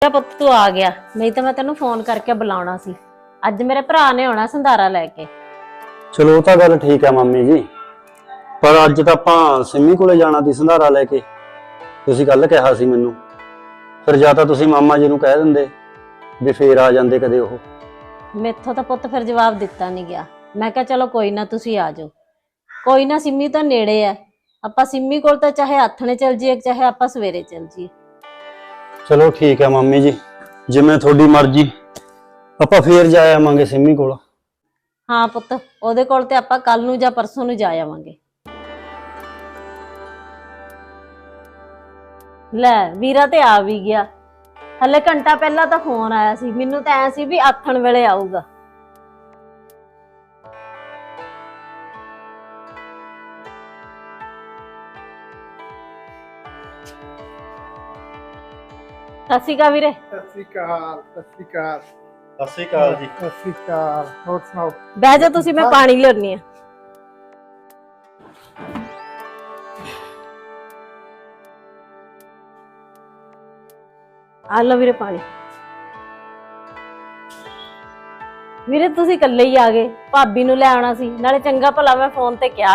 ਪੁੱਤ ਤੂੰ ਆ ਗਿਆ, ਨਹੀਂ ਤਾਂ ਮੈਂ ਤੈਨੂੰ ਫੋਨ ਕਰਕੇ ਬੁਲਾਉਣਾ ਸੀ। ਅੱਜ ਮੇਰੇ ਭਰਾ ਨੇ ਆਉਣਾ ਸੰਧਾਰਾ ਲੈ ਕੇ। ਚਲੋ ਉਹ ਤਾਂ ਗੱਲ ਠੀਕ ਹੈ ਮੰਮੀ ਜੀ, ਪਰ ਅੱਜ ਤਾਂ ਆਪਾਂ ਸਿੰਮੀ ਕੋਲੇ ਜਾਣਾ ਸੀ ਸੰਧਾਰਾ ਲੈ ਕੇ। ਤੁਸੀਂ ਕੱਲ ਕਿਹਾ ਸੀ ਮੈਨੂੰ, ਫਿਰ ਜਾਂ ਤਾਂ ਤੁਸੀਂ ਮਾਮਾ ਜੀ ਨੂੰ ਕਹਿ ਦਿੰਦੇ ਵੀ ਫੇਰ ਆ ਜਾਂਦੇ ਕਦੇ ਉਹ। ਮੈਥੋਂ ਤਾਂ ਪੁੱਤ ਫਿਰ ਜਵਾਬ ਦਿੱਤਾ ਨਹੀਂ ਗਿਆ। ਮੈਂ ਕਿਹਾ ਚਲੋ ਕੋਈ ਨਾ, ਤੁਸੀਂ ਆ ਜਾਓ। ਕੋਈ ਨਾ, ਸਿੰਮੀ ਤਾਂ ਨੇੜੇ ਐ, ਆਪਾਂ ਸਿੰਮੀ ਕੋਲ ਤਾਂ ਚਾਹੇ ਆਥਣੇ ਚੱਲ ਜੀਏ ਚਾਹੇ ਆਪਾਂ ਸਵੇਰੇ ਚੱਲ ਜੀਏ। ਚਲੋ ਠੀਕ ਹੈ ਮੰਮੀ ਜੀ, ਜਿਵੇਂ ਤੁਹਾਡੀ ਮਰਜ਼ੀ, ਆਪਾਂ ਫੇਰ ਜਾ ਆਵਾਂਗੇ ਸਿੰਮੀ ਕੋਲ। ਹਾਂ ਪੁੱਤ, ਉਹਦੇ ਕੋਲ ਤੇ ਆਪਾਂ ਕੱਲ ਨੂੰ ਜਾਂ ਪਰਸੋਂ ਨੂੰ ਜਾ ਆਵਾਂਗੇ। ਲੈ ਵੀਰਾ ਤੇ ਆ ਵੀ ਗਿਆ। ਹਲੇ ਘੰਟਾ ਪਹਿਲਾਂ ਤਾਂ ਫੋਨ ਆਇਆ ਸੀ, ਮੈਨੂੰ ਤਾਂ ਐ ਸੀ ਵੀ ਆਥਣ ਵੇਲੇ ਆਊਗਾ। ਸਤਿ ਸ਼੍ਰੀ ਅਕਾਲ ਵੀਰੇ। ਸਤਿ ਸ਼੍ਰੀ ਅਕਾਲ। ਸਤਿ ਸ਼੍ਰੀ ਅਕਾਲ। ਸਤਿ ਸ਼੍ਰੀ ਅਕਾਲ ਜੀ। ਸਤਿ ਸ਼੍ਰੀ ਅਕਾਲ। ਹੋਰ ਸੁਣਾਓ? ਬਹਿ ਜਾ ਤੁਸੀਂ, ਮੈਂ ਪਾਣੀ ਲਿਆਉਣੀ ਆ। ਆ ਲਓ ਵੀਰੇ ਪਾਣੀ। ਵੀਰੇ ਤੁਸੀਂ ਇਕੱਲੇ ਹੀ ਆ ਗਏ, ਭਾਬੀ ਨੂੰ ਲੈ ਆਉਣਾ ਸੀ। ਨਾਲੇ ਚੰਗਾ ਭਲਾ ਮੈਂ ਫੋਨ ਤੇ ਕਿਹਾ